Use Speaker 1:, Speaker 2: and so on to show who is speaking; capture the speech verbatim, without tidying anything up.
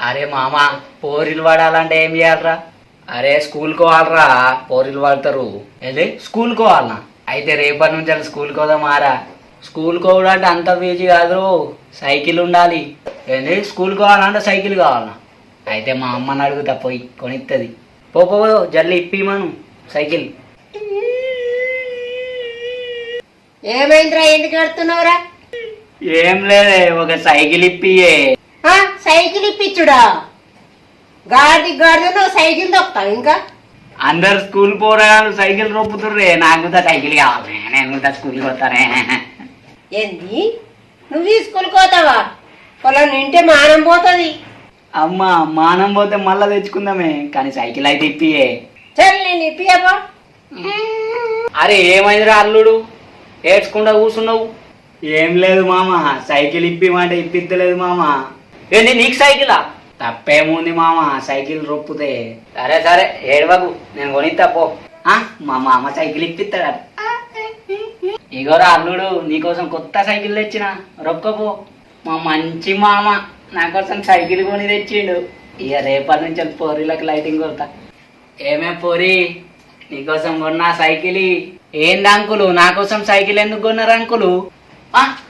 Speaker 1: అరే మామ పోరీలు పడాలంటే ఏం చేయాలరా? అరే స్కూల్కి పోవాలరా, పోరీలు పడతారు. ఏది స్కూల్కి పోవాలనా? అయితే రేపటి నుంచి అలా స్కూల్కి పోదామారా? స్కూల్కి పోవాలంటే అంత ఫీజు కాదు, సైకిల్ ఉండాలి. ఏంది స్కూల్కి పోవాలంటే సైకిల్ కావాలనా? అయితే మా అమ్మని అడుగుతా పోయి కొనిస్తుంది. పో పో జల్లి ఇప్పిమను సైకిల్.
Speaker 2: ఏమైందిరా, ఎందుకు కడుతున్నావురా?
Speaker 1: ఏం లేదే, ఒక సైకిల్ ఇప్పియే.
Speaker 2: సైకిల్ ఇప్పించుడా? గాడి గాడిద నువ్వు సైకిల్ తొక్కుతావు ఇంకా?
Speaker 1: అందరు స్కూల్ పోరాలు సైకిల్ రొప్పుతుర్రే, నాకు కూడా సైకిల్ కావాలి, నేను కూడా స్కూల్కి పోతానే.
Speaker 2: ఏంది నువ్వు ఈ స్కూల్కి పోతావా? పొలం నింటే మానం పోతుంది.
Speaker 1: అమ్మ మానం పోతే మళ్ళా తెచ్చుకుందామే, కానీ సైకిల్ అయితే ఇప్పియే.
Speaker 2: సరే నేను ఇప్పియబా.
Speaker 1: అరే ఏమైందిరా అల్లుడు, ఏడ్చుకుంటా కూర్చున్నావు? ఏం లేదు మామ, సైకిల్ ఇప్పిమంటే ఇప్పిద్దలేదు మామ. ఏంటి నీకు సైకిలా? తప్పేముంది మామ, సైకిల్ రొప్పుతే. సరే సరే ఏడవకు, నేను కొనిస్తా పో. మా మామ సైకిల్ ఇప్పిస్తాడు. ఇగోరా అల్లుడు, నీకోసం కొత్త సైకిల్ తెచ్చిన, రొక్కపో. మా మంచి మామ నా కోసం సైకిల్ కొని తెచ్చిండు. ఇక రేపటి నుంచి పోరీలకు లైటింగ్ కొడతా. ఏమే పోరి, నీకోసం కొన్నా సైకిల్. ఏంది అంకులు, నా కోసం సైకిల్ ఎందుకు కొన్నారు అంకులు?